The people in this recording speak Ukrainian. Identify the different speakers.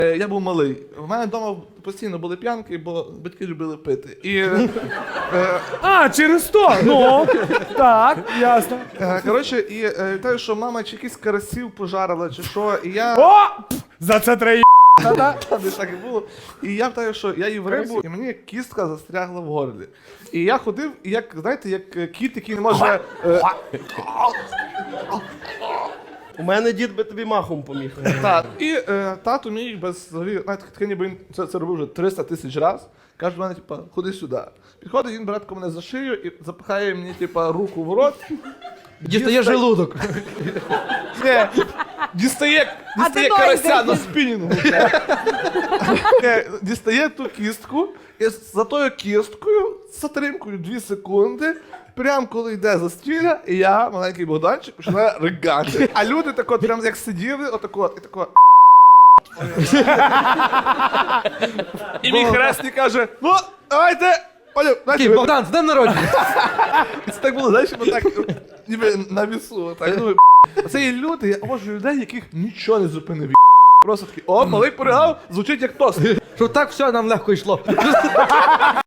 Speaker 1: Я був малий. У мене вдома постійно були п'янки, бо батьки любили пити. І,
Speaker 2: через то! Ну, так, ясно.
Speaker 1: коротше, і вітаю, що мама чи якісь карасів пожарила, чи що, і я...
Speaker 2: О! За це треба
Speaker 1: Та-да, десь так і було. І я вітаю, що я їв рибу, і мені кістка застрягла в горлі. І я ходив, і як, знаєте, як кіт, який не може...
Speaker 3: У мене дід би тобі махом поміг.
Speaker 1: Так. І тато мій без взагалі, знаєте, таке ніби він це робив вже 300 тисяч разів. Каже до мене, типа, ходи сюди. Підходить, він братко мене за шию і запихає мені, типа, руку в рот.
Speaker 3: Дістає желудок.
Speaker 1: Не, дістає карася на спінінгу. Дістає ту кістку, і за тою кісткою, з затримкою 2 секунди, прям коли йде застіля, і я, маленький Богданчик, починаю ригати. А люди так от, прям як сиділи, отако, і тако. І мій хресний каже, ну, давайте, Олю, знаєте,
Speaker 3: Богдан, з днем народження!
Speaker 1: це так було, знаєш, так, ніби на вісу, так, ну, це є люди, я обожнюю людей, яких нічого не зупинив. Просто такий, о, малий поригав, звучить як тост.
Speaker 3: Щоб так все нам легко йшло.